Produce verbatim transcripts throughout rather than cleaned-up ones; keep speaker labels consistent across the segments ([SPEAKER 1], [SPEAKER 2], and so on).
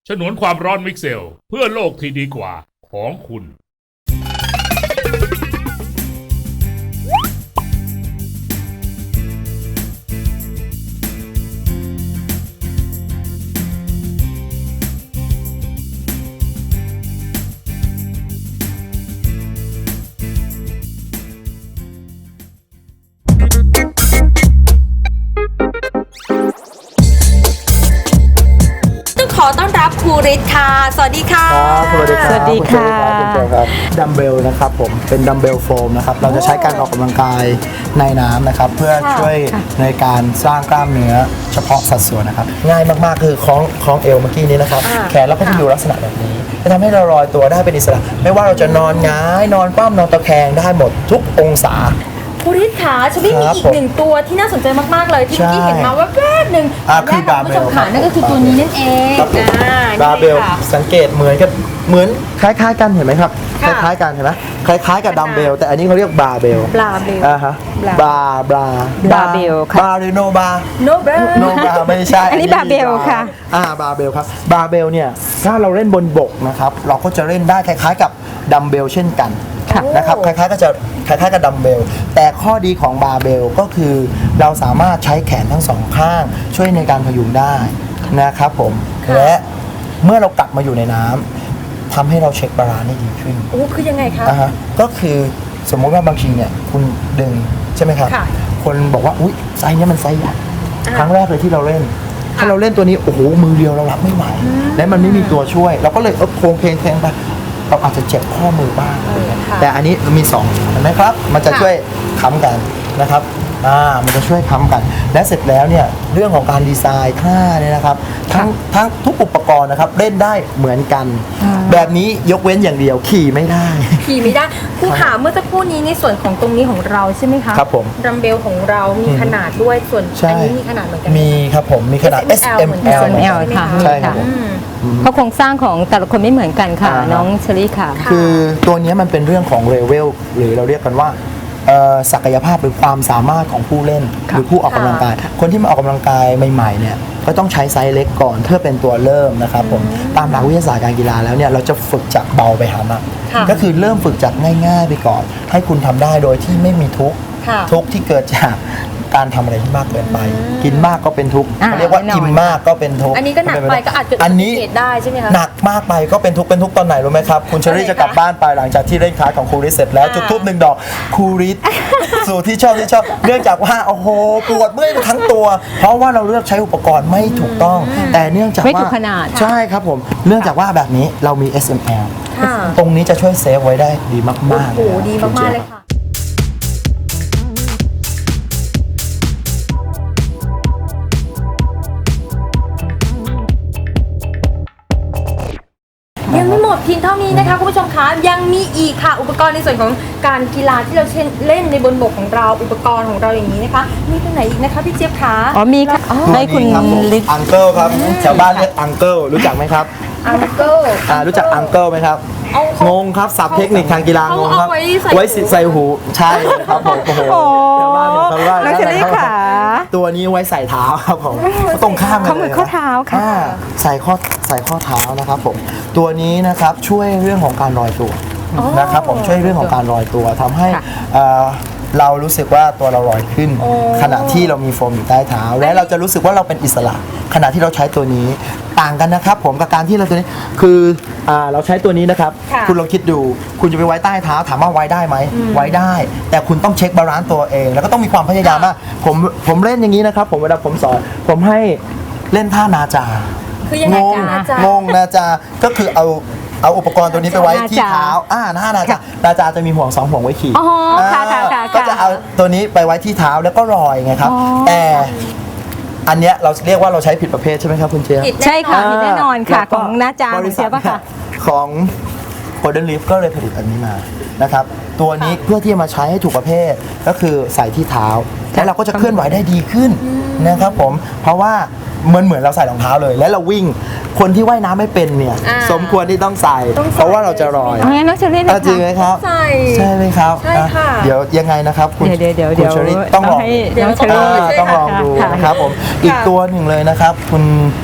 [SPEAKER 1] ฉนวนความร้อนมิกเซลเพื่อโลกที่ดีกว่าของคุณ
[SPEAKER 2] ขอต้อนรับครูฤทธิ์ค่ะสวัสดีค่ะ
[SPEAKER 3] ครับสวัสดีครับ
[SPEAKER 4] สวัสดีค่ะ
[SPEAKER 3] คุณเจครับดัมเบลนะครับผมเป็นดัมเบลโฟมนะครับเราจะใช้การออกกำลังกายในน้ำนะครับเพื่อช่วยในการสร้างกล้ามเนื้อเฉพาะสัดส่วนนะครับง่ายมากๆคือคล้องคล้องเอวเมื่อกี้นี้นะครับแขนเราก็จะอยู่ลักษณะแบบนี้จะทำให้เราลอยตัวได้เป็นอิสระไม่ว่าเราจะนอนหงายนอนคว่ำนอนตะแคงได้หมดทุกองศา
[SPEAKER 2] ครูฤทธิ์ขาชวิมีอีกหนึ่งตัวที่น่าสนใจมากๆเลยที่เมื่อกี้เห็นมาว่าแวบหนึ่ง
[SPEAKER 3] อ่าคือบาร์เบล
[SPEAKER 2] คุณผู้ชมขานั่นก็คือตัวนี้นั่นเอง
[SPEAKER 3] บาร์เบลสังเกตเหมือนกับเหมือนคล้ายๆกันเห็นไหมครับคล้ายๆกันเห็นไหมคล้ายๆกับดัมเบลแต่อันนี้เขาเรียกบาร์เบล
[SPEAKER 2] บาร์เบล
[SPEAKER 3] อ่าฮะบาร์บาร์
[SPEAKER 4] บาร์เบลค่ะ
[SPEAKER 3] บาร์หรือโนบาร์
[SPEAKER 2] โนเบล
[SPEAKER 3] โนบาร์ไม่ใช่
[SPEAKER 4] อันนี้บาร์เบลค่ะ
[SPEAKER 3] อ่าบาร์เบลครับบาร์เบลเนี่ยถ้าเราเล่นบนบกนะครับเราก็จะเล่นได้คล้ายๆกับดัมเบลเช่นกันนะครับคล้ายๆก็จะคล้ายๆกับดัมเบลแต่ข้อดีของบาร์เบลก็คือเราสามารถใช้แขนทั้งสองข้างช่วยในการพยุงได้นะครับผมและเมื่อเรากลับมาอยู่ในน้ำทำให้เราเช็คบาลานซ์ได้ดีขึ้น
[SPEAKER 2] โอ้คือยังไงคะ
[SPEAKER 3] อ่าฮะก็คือสมมติว่าบางทีเนี่ยคุณดึงใช่ไหมครับ
[SPEAKER 2] ค่ะ
[SPEAKER 3] คนบอกว่าอุ๊ยไซส์เนี้ยมันไซส์ใหญ่
[SPEAKER 2] อ่า
[SPEAKER 3] ครั้งแรกเลยที่เราเล่น ถ้าเราเล่นตัวนี้โอ้โหมือเดียวเรารับไม่ไหวและมันไม่มีตัวช่วย เราก็เลยเออโครงเพลงเพลงไปเราอาจจะเจ็บข้อมือบ้างแต่อันนี้มีสองเห็นไหมครับ มันจะช่วยค้ำกันนะครับอ่ามันจะช่วยค้ำกัน และเสร็จแล้วเนี่ยเรื่องของการดีไซน์ท่าเนี่ยนะครับทั้งทั้งทุกอุปกรณ์นะครับเล่นได้เหมือนกัน แบบนี้ยกเว้นอย่างเดียวขี่ไม่ได้
[SPEAKER 2] ขี่ไม่ได้ครูขาเมื่อสักครู่นี้ในส่วนของตรงนี้ของเราใช่ไหมคะ
[SPEAKER 3] ครับผม
[SPEAKER 2] ดัมเบลของเรามีขนาดด้วยส่วน
[SPEAKER 3] ใช่
[SPEAKER 2] อันนี้มีขนาดเหมือนกันไห
[SPEAKER 3] มีครับผมมีขนาด
[SPEAKER 2] เอส เอ็ม
[SPEAKER 3] เอส
[SPEAKER 2] แอล
[SPEAKER 3] เอ็ม
[SPEAKER 4] เอ
[SPEAKER 3] แอ
[SPEAKER 4] ส
[SPEAKER 3] ล
[SPEAKER 4] เอ็มแอล ค่ะ
[SPEAKER 3] ใช่ครับ
[SPEAKER 4] ค่ะ
[SPEAKER 2] อืม
[SPEAKER 4] เพราะโครงสร้างของแต่ละคนไม่เหมือนกันค่ะ
[SPEAKER 3] อ่าฮะ
[SPEAKER 4] น้องเชลี่ค่ะ
[SPEAKER 3] คือตัวนี้มันเป็นเรื่องของเลเวลหรือเราเรียกกันว่าเอ่อศักยภาพหรือความสามารถของผู้เล่น หรือผู้ออกกำลังกาย คนที่มาออกกำลังกายใหม่ๆเนี่ยก็ต้องใช้ไซส์เล็กก่อนเพื่อเป็นตัวเริ่มนะครับผมตามหลักวิทยาศาสตร์การกีฬาแล้วเนี่ยเราจะฝึกจากเบาไปหาหนัก
[SPEAKER 2] ค่ะ
[SPEAKER 3] ก็คือเริ่มฝึกจากง่ายๆไปก่อน ให้คุณทำได้โดยที่ไม่มีทุกข์
[SPEAKER 2] ค่ะ
[SPEAKER 3] ทุกข์ที่เกิดจากการทำอะไรที่มากเกินไป กินมากก็เป็นทุกข์
[SPEAKER 4] อ่า
[SPEAKER 3] เขาเรียกว่า
[SPEAKER 4] แน่นอน
[SPEAKER 3] อิ่มมากก็เป็นทุกข์
[SPEAKER 2] อันนี้ก็หนักไปก็อาจจะ
[SPEAKER 3] อันนี้
[SPEAKER 2] เกิดได้ใช่ไหมคะ
[SPEAKER 3] หนักมากไปก็เป็นทุกข์เป็นทุกข์ตอนไหนรู้ไหมครับ คุณเชอรี่จะกลับบ้านไปหลังจากที่เล่นคลาสของครูริสเสร็จแล้ว
[SPEAKER 2] อ่า
[SPEAKER 3] จุดทูบหนึ่งดอกครูริส สู่ที่ชอบที่ชอบเนื่องจากว่าโอ้โหปวดเมื่อยไปทั้งตัว เพราะว่าเราเลือกใช้อุปกรณ์ไม่ถูกต้อง แต่เนื่องจาก
[SPEAKER 4] ไม่
[SPEAKER 3] ว่า
[SPEAKER 4] ถูกขนาด
[SPEAKER 3] ใช่ครับผมเนื่องจากว่าแบบนี้เรามี เอส เอ็ม แอล
[SPEAKER 2] ค่ะ
[SPEAKER 3] ตรงนี้จะช่วยเซฟไว้ได้ดีมากๆ
[SPEAKER 2] โอ้โห
[SPEAKER 3] เลย
[SPEAKER 2] ดีมากๆเลยค่ะยังไม่หมดเพียงเท่านี้นะคะคุณผู้ชมคะยังมีอีกค่ะอุปกรณ์ในส่วนของการกีฬาที่เราเช่นเล่นในบนบกของเราอุปกรณ์ของเราอย่างนี้นะคะมีตรงไหนอีกนะคะพี่เจี๊ยบคะ
[SPEAKER 4] อ๋อมีค่ะ
[SPEAKER 2] อ๋อ
[SPEAKER 4] ให้คุณ
[SPEAKER 3] ตัวนี้รับผม
[SPEAKER 4] ลิศ
[SPEAKER 3] อังเกิลครับชาวบ้านเรียกอังเกิลรู้จักไหมครับ
[SPEAKER 2] อังเกิล
[SPEAKER 3] อ่ารู้จักอังเกิลไหมครับ
[SPEAKER 2] เอาเขา
[SPEAKER 3] งงครับศัพท์เทคนิคทางกีฬางงครับ
[SPEAKER 2] เอาไว้ใส่
[SPEAKER 3] ไว้ใส่หูใช่ครับผมโอ้โห
[SPEAKER 4] โอ้
[SPEAKER 3] ชาวบ้านชาวบ้าน
[SPEAKER 4] น้องเชอรี่
[SPEAKER 3] นะครับ
[SPEAKER 4] ค่ะ
[SPEAKER 3] ตัวนี้ไว้ใส่เท้าครับผมตรงข้ามกัน
[SPEAKER 4] เขาเหมือนข้อเท้าค่ะ
[SPEAKER 3] อ่ใส่ข้อใส่ข้อเท้านะครับผมตัวนี้นะครับช่วยเรื่องของการลอยตัวนะครับผมช่วยเรื่องของการลอยตัวทำให้
[SPEAKER 4] ค่ะ
[SPEAKER 3] เอ่อเรารู้สึกว่าตัวเราลอยขึ้น ขณะที่เรามีโฟมอยู่ใต้เท้า และเราจะรู้สึกว่าเราเป็นอิสระ ขณะที่เราใช้ตัวนี้ต่างกันนะครับผมกับการที่เราตัวนี้คืออ่าเราใช้ตัวนี้นะครับ
[SPEAKER 2] ค่ะ
[SPEAKER 3] คุณลองคิดดู คุณจะไปไว้ใต้เท้าถามว่าไว้ได้ไหมไว้ได้ แต่คุณต้องเช็คบาลานซ์ตัวเอง แล้วก็ต้องมีความพยายามมากผมผมเล่นอย่างนี้นะครับผมเวลาผมสอนผมให้เล่นท่านาจา
[SPEAKER 2] คือยังไง
[SPEAKER 3] งง
[SPEAKER 2] จ๊ะจ๊ะ
[SPEAKER 3] งงนาจาก็คือเอาเอาอุปกรณ์ตัวนี้ไปไว้ที่
[SPEAKER 4] นาจา
[SPEAKER 3] เท้าอ่าท่านาจานาจาจะมีห่วงสองห่วงไว้ขี่
[SPEAKER 4] อ๋อค่ะค่ะค่ะ
[SPEAKER 3] ก็จะเอาตัวนี้ไปไว้ที่เท้าแล้วก็ลอยไงครับ
[SPEAKER 4] อ๋อ
[SPEAKER 3] แต่อันเนี้ยเราเรียกว่าเราใช้ผิดประเภทใช่ไหมครับคุณเจี๊ยบ
[SPEAKER 2] ผิด
[SPEAKER 4] ใช่ค่ะมีแน่นอนค่ะ
[SPEAKER 3] แล้วก็
[SPEAKER 4] ของน้าจา
[SPEAKER 3] บ
[SPEAKER 4] ของ
[SPEAKER 3] ริ
[SPEAKER 4] เชียบอะค่ะ
[SPEAKER 3] ของ Golden Leaf ก็เลยผลิตอันนี้มานะครับตัวนี้เพื่อที่จะมาใช้ให้ถูกประเภทก็คือใส่ที่เท้าแล้วเราก็จะเคลื่อนไหวได้ดีขึ้นนะครับผมเพราะว่าเหมือนเหมือนเราใส่รองเท้าเลย แล้วเราวิ่งคนที่ว่ายน้ำไม่เป็นเนี่ย
[SPEAKER 2] อ่า
[SPEAKER 3] สมควรที่ต้องใส่
[SPEAKER 2] ต้องใส่
[SPEAKER 3] เพราะว่าเราจะลอย
[SPEAKER 4] เอางั้นน้องเชอรี่นะ
[SPEAKER 3] อ่ะจริงไหม
[SPEAKER 4] คะ
[SPEAKER 3] ครับ
[SPEAKER 2] ใส่
[SPEAKER 3] ใช่ไหมครับ
[SPEAKER 2] ใช่ค่ะ
[SPEAKER 3] อ่ะเดี๋ยวยังไงนะครับคุณ
[SPEAKER 4] เดี๋ยวเดี๋ยว
[SPEAKER 3] คุ
[SPEAKER 4] เดี๋
[SPEAKER 3] ณ
[SPEAKER 4] ยว
[SPEAKER 3] เชอรี่ต้องลอง
[SPEAKER 4] ให้
[SPEAKER 3] ดู
[SPEAKER 4] น้องเชอรี่
[SPEAKER 3] อ่าต้องลองดู
[SPEAKER 4] ค่ะ
[SPEAKER 3] นะครับผมอีกตัวหนึ่งเลยนะครับคุณ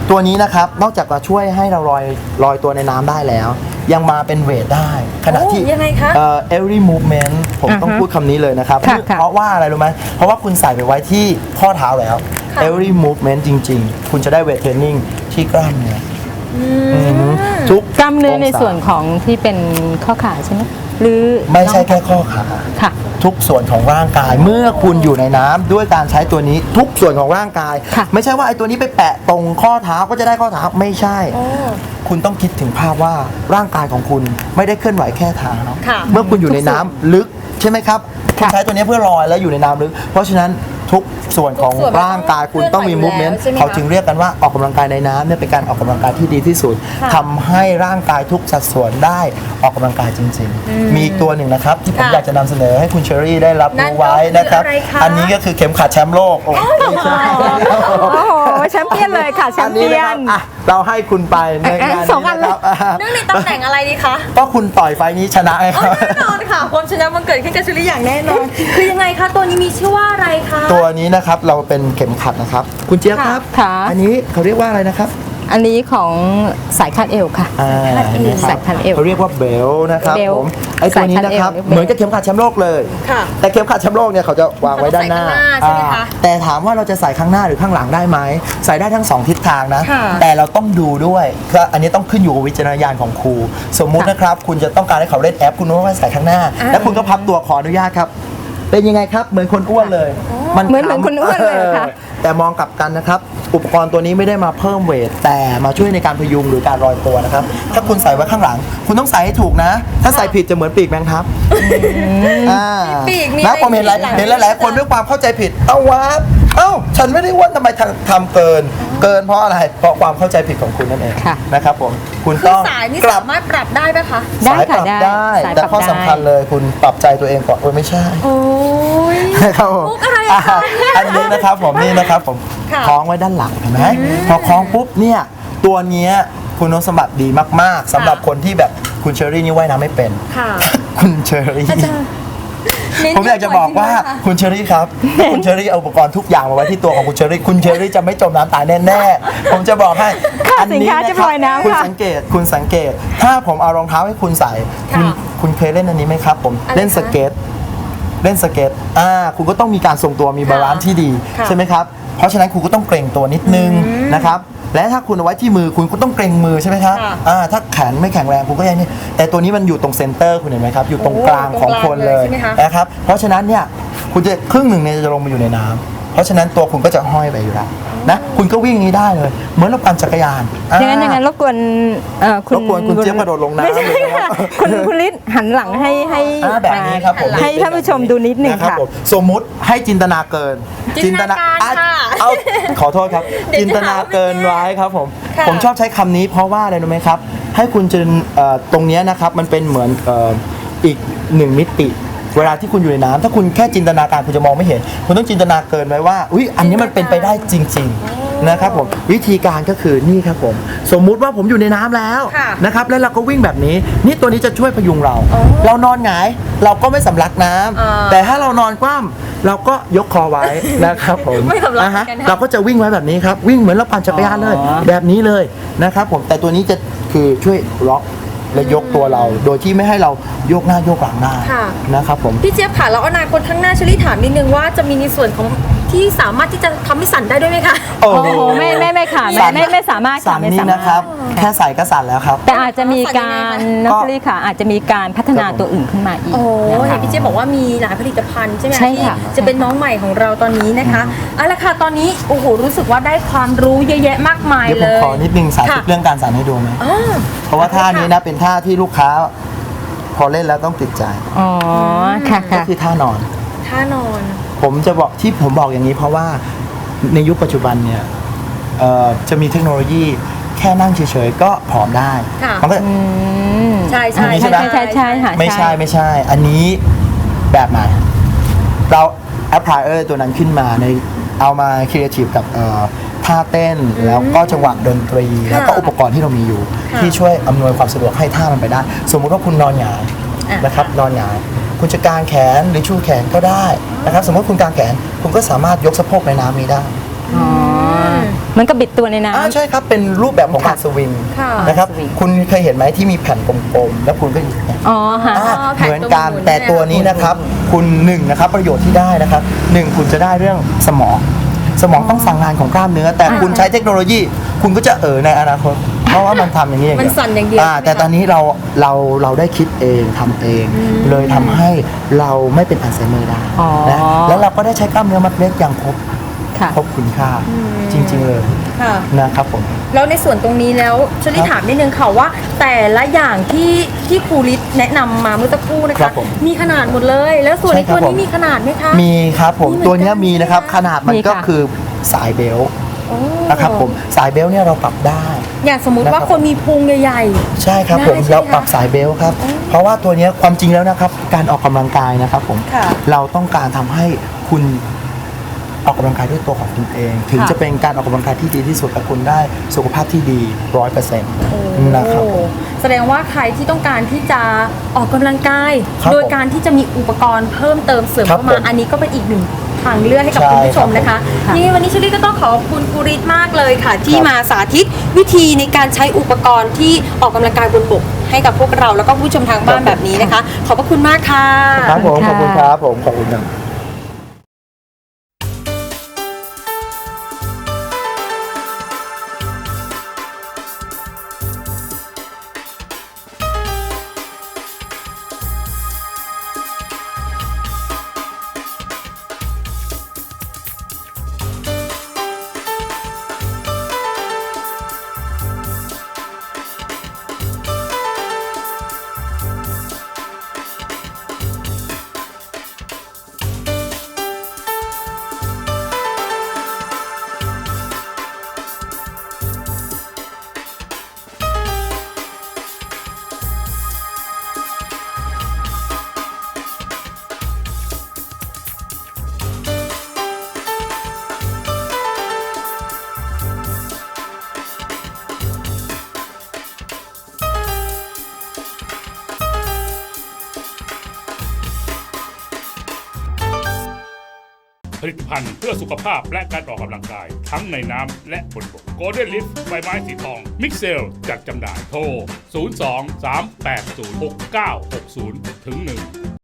[SPEAKER 3] ตัวนี้นะครับนอกจากจะช่วยให้เราลอยลอยตัวในน้ำได้แล้ว ยังมาเป็นเวทได้ขณะที่
[SPEAKER 2] โอ้ยังไงคะ
[SPEAKER 3] เอ่อ every movement ผมต้อง
[SPEAKER 4] อ่าฮะ
[SPEAKER 3] พูดคำนี้เลยนะครับ
[SPEAKER 4] ค่ะค่ะ
[SPEAKER 3] เพราะว่าอะไรรู้ไหมเพราะว่าคุณใส่ไปไว้ที่ข้อเท้าแล้ว
[SPEAKER 2] ค่ะ
[SPEAKER 3] every movement จริง ๆ คุณจะได้เวทเทรนนิ่งที่กล้ามเนื้ออทุก
[SPEAKER 4] กล้ามเนื้อใน
[SPEAKER 3] งศา
[SPEAKER 4] ส่วนของที่เป็นข้อขาใช่ไหมหรือ
[SPEAKER 3] ไม่ใช่แค่ข้อขา
[SPEAKER 4] ค่ะ
[SPEAKER 3] ทุกส่วนของร่างกายเมื่อคุณอยู่ในน้ำด้วยการใช้ตัวนี้ทุกส่วนของร่างกาย
[SPEAKER 4] ค่ะ
[SPEAKER 3] ไม่ใช่ว่าไอ้ตัวนี้ไปแปะตรงข้อเท้าก็จะได้ข้อเท้าไม่ใช่ คุณต้องคิดถึงภาพว่าร่างกายของคุณไม่ได้เคลื่อนไหวแค่เท้า
[SPEAKER 2] ค่ะ
[SPEAKER 3] เมื่อคุณอยู่ในน้ำลึกใช่ไหมครับคุณ
[SPEAKER 4] ค่ะ
[SPEAKER 3] ใช้ตัวนี้เพื่อลอยแล้วอยู่ในน้ำลึก เพราะฉะนั้นทุกส่วนของ
[SPEAKER 2] ทุกส่วนมัน
[SPEAKER 3] ร่างกายคุณต้องมี
[SPEAKER 2] เคลื่
[SPEAKER 3] มู
[SPEAKER 2] อน
[SPEAKER 3] ฟ
[SPEAKER 2] ไหว
[SPEAKER 3] เมนต์
[SPEAKER 2] อยู่แล้วใช่ไหมคะ
[SPEAKER 3] เขาจึงเรียกกันว่าออกกำลังกายในน้ำเนี่ยเป็นการออกกำลังกายที่ดีที่สุด
[SPEAKER 2] ค่ะ
[SPEAKER 3] ทำให้ร่างกายทุกสัดส่วนได้ออกกำลังกายจริง ๆ มีอีกตัวหนึ่งนะครับที่ผม
[SPEAKER 2] ค่ะ
[SPEAKER 3] อยากจะนำเสนอให้คุณเชอรี่ได้รับ
[SPEAKER 2] นั่น
[SPEAKER 3] รู้
[SPEAKER 2] ก็
[SPEAKER 3] ไว้นะครับ
[SPEAKER 2] คืออะไรคะ
[SPEAKER 3] อันนี้ก็คือเข็มขัดแชมป์โลกโอ้ไม่ใช่
[SPEAKER 4] โอ้โหแชมป์เปี้ยนเลยค่ะแชมป์เปี้ย
[SPEAKER 3] อั
[SPEAKER 4] น
[SPEAKER 3] นนี้นะครับอ่ะเราให้คุณไปในงาน
[SPEAKER 4] สองอั
[SPEAKER 3] นี้
[SPEAKER 4] น
[SPEAKER 3] นะครับอ่ะ
[SPEAKER 2] เนื่องในตำแหน่งอะไรดีคะ
[SPEAKER 3] ก็คุณต่อยไฟล์นี้ชนะไงค
[SPEAKER 2] อ๋อ
[SPEAKER 3] รับ
[SPEAKER 2] แน่นอนค่ะความชนะมันเกิดขึ้นกับชุลิอย่างแน่นอน คือยังไงคะตัวนี้มีชื่อว่าอะไรคะ
[SPEAKER 3] ตัวนี้นะครับเราเป็นเข็มขัดนะครับ คุณเจี๊ยบครับ
[SPEAKER 4] ค่ะ
[SPEAKER 3] อันนี้เขาเรียกว่าอะไรนะครับ
[SPEAKER 4] อันนี้ของสายคาดเอวค่ะ
[SPEAKER 3] อ่า
[SPEAKER 2] คาดเอว
[SPEAKER 3] นะครับ
[SPEAKER 4] สายคาดเอว
[SPEAKER 3] เขาเรียกว่าเบลนะครับ
[SPEAKER 4] เบล
[SPEAKER 3] ผมไอ้ตัวนี้นะครับ
[SPEAKER 4] สายคาดเอว
[SPEAKER 3] เหมือนกับเข็มขัดแชมป์โลกเลย
[SPEAKER 2] ค่ะ
[SPEAKER 3] แต่เข็มขัดแชมป์โลกเนี่ยเขาจะวางไว้ด้านหน้า
[SPEAKER 2] ใส่ข้างหน้าใช่ไหมคะ
[SPEAKER 3] อ่าแต่ถามว่าเราจะใส่ข้างหน้าหรือข้างหลังได้ไหมใส่ได้ทั้งสองทิศทางนะ
[SPEAKER 2] ค่ะ
[SPEAKER 3] แต่เราต้องดูด้วยก็อันนี้ต้องขึ้นอยู่กับวิจารณญาณของครู สมมุตินะครับ คุณจะต้องการให้เขาเล่นแอปคุณต้องใส่ข้างหน้า แล้วคุณก็พับตัวขออนุญาตครับ เป็นยังไงครับเหมือนคนอ้วนเลย
[SPEAKER 4] เหมือนเหมือนคนอ้วนเลยเหรอคะ
[SPEAKER 3] แต่มองกลับกันนะครับ อุปกรณ์ตัวนี้ไม่ได้มาเพิ่มเวท แต่มาช่วยในการพยุงหรือการลอยตัวนะครับ ถ้าคุณใส่ไว้ข้างหลัง คุณต้องใส่ให้ถูกนะ ถ้าใส่ผิดจะเหมือนปีกแมงทับอ่า
[SPEAKER 2] ปีกมี
[SPEAKER 3] นะ
[SPEAKER 2] อะไร
[SPEAKER 3] ผมเห็นหลาย
[SPEAKER 2] หลัง
[SPEAKER 3] เห็นหลายๆคนด้วยความเข้าใจผิด เอ้าวะเอ้าฉันไม่ได้อ้วนทำไมทำทำเกิน เกินเพราะอะไรเพราะความเข้าใจผิดของคุณนั่นเอง
[SPEAKER 4] ค่ะ
[SPEAKER 3] นะครับผมคุณ
[SPEAKER 2] คือ
[SPEAKER 3] ต้อง
[SPEAKER 2] สายนี่
[SPEAKER 3] กลั
[SPEAKER 2] สามารถปรับได้ไหมคะ
[SPEAKER 4] ได้
[SPEAKER 3] สายป
[SPEAKER 4] ค่ะ
[SPEAKER 3] รับ
[SPEAKER 4] ได้
[SPEAKER 3] ได้
[SPEAKER 4] สาย
[SPEAKER 3] แต่
[SPEAKER 4] ปรับ
[SPEAKER 3] ข้อ
[SPEAKER 4] ได้
[SPEAKER 3] สำคัญเลยคุณปรับใจตัวเองก่อนโอ้ยไม่ใช่
[SPEAKER 2] โอ้ย
[SPEAKER 3] นะครับผม
[SPEAKER 2] มุกอะไรอะคะ
[SPEAKER 3] อ่ะอันนี้นะครับผมนี่นะครับผม
[SPEAKER 2] ค่ะ
[SPEAKER 3] คล้องไว้ด้านหลังเห็นไหมพอคล้องปุ๊บเนี่ยตัวเนี้ยคุณสมบัติดีมากๆสำหรับคนที่แบบคุณเชอรี่นี่ว่ายน้ำไม่เป็น
[SPEAKER 2] ค่ะ
[SPEAKER 3] คุณเชอรี่
[SPEAKER 2] อาจารย์เน้น
[SPEAKER 3] ผมอยากจะบอกว่า
[SPEAKER 2] จริงๆนะคะ
[SPEAKER 3] คุณเชอรี่ครับถ้าคุณเชอรี่เอาอุปกรณ์ทุกอย่างมาไว้ที่ตัวของคุณเชอรี่คุณเชอรี่จะไม่จมน้ำตายแน่ๆผมจะบอกให้
[SPEAKER 4] ค่ะ
[SPEAKER 3] อันนี้
[SPEAKER 4] สินค้า
[SPEAKER 3] นะ
[SPEAKER 4] จะ
[SPEAKER 3] ครั
[SPEAKER 4] ลอยน้ำ
[SPEAKER 3] คุณ
[SPEAKER 4] ค่ะ
[SPEAKER 3] สังเกตคุณสังเกต ถ้าผมเอารองเท้าให้คุณใส่คุณ
[SPEAKER 2] ค่ะ
[SPEAKER 3] คุณเคยเล่นอันนี้ไหมครับ ผม
[SPEAKER 2] อะไร
[SPEAKER 3] เล่น
[SPEAKER 2] คะ
[SPEAKER 3] สเก็ตเล่นสเก็ตอ่าคุณก็ต้องมีการทรงตัวมีบาลานซ์ที่ดี
[SPEAKER 2] ค่ะ
[SPEAKER 3] ใช่ไหมครับเพราะฉะนั้นคุณก็ต้องเกรงตัวนิดนึงนะครับและถ้าคุณเอาไว้ที่มือคุณก็ต้องเกรงมือใช่ไหมครับ
[SPEAKER 2] ค่ะ
[SPEAKER 3] อ่าถ้าแขนไม่แข็งแรงคุณก็ยังนี่แต่ตัวนี้มันอยู่ตรงเซนเตอร์คุณเห็นไหมครับอยู่ตรง
[SPEAKER 2] โอ้
[SPEAKER 3] กลางของคนเลย
[SPEAKER 2] ตรงกลางเลยใช่ไหมคะ
[SPEAKER 3] นะครับ เพราะฉะนั้นเนี่ยคุณจะครึ่งหนึ่งเนี่ยจะลงมาอยู่ในน้ำเพราะฉะนั้นตัวคุณก็จะห้อยไปอยู่แล้วนะคุณก็วิ่งนี้ได้เลย เหมือนเราปั่นจักรยาน
[SPEAKER 4] อย่างนั้นอย่างนั้นรบกวนเอ่อคุณ
[SPEAKER 3] รบกวนคุณเจี๊ยบกระโดดลงน้ำ
[SPEAKER 4] ไม่ใช่
[SPEAKER 3] เลยนะ
[SPEAKER 4] ค่ะคุณคุณฤทธิ์หันหลังให้ให้
[SPEAKER 3] อ่าแบบนี้ครับผม
[SPEAKER 4] ให้ท่านผู้ชมดูนิดหนึ่ง
[SPEAKER 3] นะครับ
[SPEAKER 4] ค่ะ
[SPEAKER 3] ผมสมมุติให้จินตนาเกิน
[SPEAKER 2] จินตนาการ
[SPEAKER 3] อ่ะ
[SPEAKER 2] ค่ะ
[SPEAKER 3] เอาขอโทษครับ
[SPEAKER 2] เดี๋ยว
[SPEAKER 3] จินตนาเกินไว้ครับผม
[SPEAKER 2] ค่ะ
[SPEAKER 3] ผมชอบใช้คำนี้เพราะว่าอะไรรู้ไหมครับ ให้คุณจินเอ่อตรงเนี้ยนะครับมันเป็นเหมือนเอ่ออีกหนึ่งมิติ เวลาที่คุณอยู่ในน้ำถ้าคุณแค่จินตนาการคุณจะมองไม่เห็น คุณต้องจินตนาเกินไว้ว่าอุ้ยอันนี้มันเป็นไปได้จริง ๆนะครับผมวิธีการก็คือนี่ครับผมสมมุติว่าผมอยู่ในน้ำแล้ว
[SPEAKER 2] ค่ะ
[SPEAKER 3] นะครับแล้วเราก็วิ่งแบบนี้ นี่ตัวนี้จะช่วยพยุงเรา เรานอนหงายเราก็ไม่สำลักน้ำ
[SPEAKER 2] อ่า
[SPEAKER 3] แต่ถ้าเรานอนคว่ำเราก็ยกคอไว้ นะครับผม
[SPEAKER 2] ไม่สำลัก
[SPEAKER 3] นะฮะ
[SPEAKER 2] กันค่ะ
[SPEAKER 3] เราก็จะวิ่งไว้แบบนี้ครับวิ่งเหมือนเราปั่นจักรยานเลย
[SPEAKER 4] อ๋อ
[SPEAKER 3] แบบนี้เลยนะครับผมแต่ตัวนี้จะคือช่วยล็อกและยกตัวเรา โดยที่ไม่ให้เราโยกหน้าโยกหลังได้
[SPEAKER 2] ค่ะ
[SPEAKER 3] นะครับผม
[SPEAKER 2] พี่เจี๊ยบค่ะแล้วอนาคตข้างหน้าเชลี่ถามนิดนึงว่าจะมีในส่วนของที่สามารถที่จะทำให้สั่นได้ด้วยไหมคะ
[SPEAKER 3] โอ้
[SPEAKER 4] โอ้โหไม่ไม่ไม่ค่ะไม่ไม่ไม่สามารถ
[SPEAKER 3] สั่
[SPEAKER 4] ค่ะ
[SPEAKER 3] น
[SPEAKER 4] ไม่
[SPEAKER 3] นี่
[SPEAKER 4] สามารถ
[SPEAKER 3] นะครับ แค่ใส่ก็สั่นแล้วครับ
[SPEAKER 4] แต่อาจจะมีการ
[SPEAKER 2] สั่นยังไงคะ
[SPEAKER 4] นักเรียนค่ะ อาจจะมีการพัฒนาตัวอื่นขึ้นมาอีก
[SPEAKER 2] โอ้
[SPEAKER 4] นะ
[SPEAKER 2] เห็
[SPEAKER 4] คะ
[SPEAKER 2] นพี่เจี๊ยบบอกว่ามีหลายผลิตภัณฑ์ใช่ไหม
[SPEAKER 4] ใช่
[SPEAKER 2] ที่
[SPEAKER 4] ค่ะ
[SPEAKER 2] จะเป็นน้องใหม่ของเราตอนนี้นะคะเอาละค่ะตอนนี้โอ้โหรู้สึกว่าได้ความรู้เยอะแยะมากมาย
[SPEAKER 3] เดี๋ยว
[SPEAKER 2] เล
[SPEAKER 3] ผม
[SPEAKER 2] ย
[SPEAKER 3] ขอนิดนึงสาธิต
[SPEAKER 2] ค่ะ
[SPEAKER 3] เรื่องการสั่นให้ดูไหม
[SPEAKER 2] อ่า
[SPEAKER 3] เพราะว่าท่านี้นะเป็นท่าที่ลูกค้า พอเล่นแล้วต้องติดใจ
[SPEAKER 4] อ๋อค่ะ
[SPEAKER 3] ก็
[SPEAKER 4] ค่ะ
[SPEAKER 3] คือท่านอน
[SPEAKER 2] ท่านอน
[SPEAKER 3] ผมจะบอกที่ผมบอกอย่างนี้เพราะว่าในยุคปัจจุบันเนี่ยเอ่อจะมีเทคโนโลยีแค่นั่งเฉยๆก็ผอมได้
[SPEAKER 2] ค่ะ
[SPEAKER 3] มันก็
[SPEAKER 4] อืม
[SPEAKER 2] ใช่ใช่
[SPEAKER 3] อันนี้
[SPEAKER 4] ใช่
[SPEAKER 3] ใช่ไหม
[SPEAKER 4] ใช่ใช่ใช่ค่ะ
[SPEAKER 3] ไม่ใช่ไม่ใช่ อันนี้แบบไหนเราแอปพลายเออร์ตัวนั้นขึ้นมาในเอามาครีเอทีฟกับเอ่อท่าเต้นแล้วก็จังหวะดนตรี แล้วก็อุปกรณ์ที่เรามีอยู่
[SPEAKER 2] ค่ะ
[SPEAKER 3] ที่ช่วยอำนวยความสะดวกให้ท่ามันไปได้ สมมุติว่าคุณนอนหงาย
[SPEAKER 2] อ่ะ
[SPEAKER 3] นะครับนอนหงายคุณจะกางแขนหรือชูแขนก็ได้นะครับสมมติคุณกางแขนคุณก็สามารถยกสะโพกในน้ำนี้ได้
[SPEAKER 4] อ๋อมันก็บิดตัวในน้ำ
[SPEAKER 3] อ่าใช่ครับเป็นรูปแบบของการสวิง
[SPEAKER 2] ค่ะ
[SPEAKER 3] นะครับ
[SPEAKER 4] สวิง
[SPEAKER 3] คุณเคยเห็นไหมที่มีแผ่นกลมๆแล้วคุณก็หยิบเนี่ย
[SPEAKER 4] อ๋อค่ะ
[SPEAKER 3] อ่า
[SPEAKER 2] แผ่น
[SPEAKER 3] เหมือนกัน
[SPEAKER 2] ตัวหมุน
[SPEAKER 3] แต่ตัวนี้
[SPEAKER 2] เนี่ย
[SPEAKER 3] นะครับ คุณหนึ่งนะครับประโยชน์ที่ได้นะครับหนึ่งคุณจะได้เรื่องสมอง สมองต้องสั่งงานของกล้ามเนื้อ แต่คุณใช้เทคโนโลยี คุณก็จะเออในอนาคตเพราะว่ามันทำอย่างนี้อย่างเดียว
[SPEAKER 2] มันสั่นอย่างเดียว
[SPEAKER 3] อ่า
[SPEAKER 2] ใช่ไหมคะ
[SPEAKER 3] แต่ตอนนี้เราเราเราได้คิดเองทำเอง เลยทำให้เราไม่เป็นอัลไซเมอร์ได้
[SPEAKER 4] อ๋อ
[SPEAKER 3] นะแล้วเราก็ได้ใช้กล้ามเนื้อมัดเล็กอย่างครบ
[SPEAKER 4] ค่ะ
[SPEAKER 3] ครบคุณค่าจริง ๆ เลย
[SPEAKER 2] ค่ะ
[SPEAKER 3] นะครับผม
[SPEAKER 2] แล้วในส่วนตรงนี้แล้วชลิ
[SPEAKER 3] ครับ
[SPEAKER 2] ถามนิดนึงค่ะว่า แต่ละอย่างที่ที่ครูฤทธิ์แนะนำมาเมื่อสักครู่นะ
[SPEAKER 3] ครั
[SPEAKER 2] คะ
[SPEAKER 3] บผม
[SPEAKER 2] มีขนาดหมดเลย แล้วส่วน
[SPEAKER 3] ใช่
[SPEAKER 2] ใน
[SPEAKER 3] ครับ
[SPEAKER 2] ตัวนี้
[SPEAKER 3] ผม
[SPEAKER 2] มีขนาดไหมคะ
[SPEAKER 3] มีครับผม
[SPEAKER 2] มีเหมือนกัน
[SPEAKER 3] ตัวเนี้ยมีนะครับ ขนาดมัน
[SPEAKER 4] มี
[SPEAKER 3] ก็
[SPEAKER 4] ค่ะ
[SPEAKER 3] คือสายเบลต์
[SPEAKER 2] โอ้
[SPEAKER 3] นะครับผมสายเบลต์เนี่ยเราปรับได้
[SPEAKER 2] อย่างสมมุติว่า
[SPEAKER 3] นะครับ
[SPEAKER 2] คนมีพุงใหญ่
[SPEAKER 3] ใช่ครับผม
[SPEAKER 2] ได้ใช่ไหม
[SPEAKER 3] เราปรับสายเบลต์ครับ
[SPEAKER 2] อืม
[SPEAKER 3] เพราะว่าตัวเนี้ยความจริงแล้วนะครับ การออกกำลังกายนะครับผม
[SPEAKER 2] ค่ะ
[SPEAKER 3] เราต้องการทำให้คุณออกกำลังกายด้วยตัวของคุณเอง ถึง
[SPEAKER 2] ค่ะ
[SPEAKER 3] จะเป็นการออกกำลังกายที่ดีที่สุดและคุณได้สุขภาพที่ดีร้อยเปอร์เซ็นต์
[SPEAKER 2] ๆโอ้
[SPEAKER 3] นะครับผม
[SPEAKER 2] แสดงว่าใครที่ต้องการที่จะออกกำลังกาย
[SPEAKER 3] ครับ
[SPEAKER 2] โดยการที่จะมีอุปกรณ์เพิ่มเติมเสริม
[SPEAKER 3] ครับ
[SPEAKER 2] เข้ามา
[SPEAKER 3] ผม
[SPEAKER 2] อันนี้ก็เป็นอีกหนึ่งทางเลือกให้กับ
[SPEAKER 3] ใช่
[SPEAKER 2] คุณผู้ชมนะคะ
[SPEAKER 4] ครับ
[SPEAKER 2] นี่วันนี้ชลิก็ต้องขอบคุณครูฤทธิ์มากเลยค่ะ ที่
[SPEAKER 3] ครับ
[SPEAKER 2] มาสาธิตวิธีในการใช้อุปกรณ์ที่ออกกำลังกายบนบกให้กับพวกเราแล้วก็ผู้ชมทางบ้านแบบนี้นะคะ ขอบพระคุณมากค่ะ
[SPEAKER 3] ครับผมขอบคุณ
[SPEAKER 4] ค่ะ
[SPEAKER 3] ครับผมขอบคุณครับ
[SPEAKER 1] ผลิตภัณฑ์เพื่อสุขภาพและการออกกำลังกาย ทั้งในน้ำและบนบก Golden Lift ใบไม้สีทอง มิกเซลจัดจำหน่ายโทร ศูนย์ สอง สาม แปด ศูนย์ หก เก้า หก ศูนย์ ถึง หนึ่ง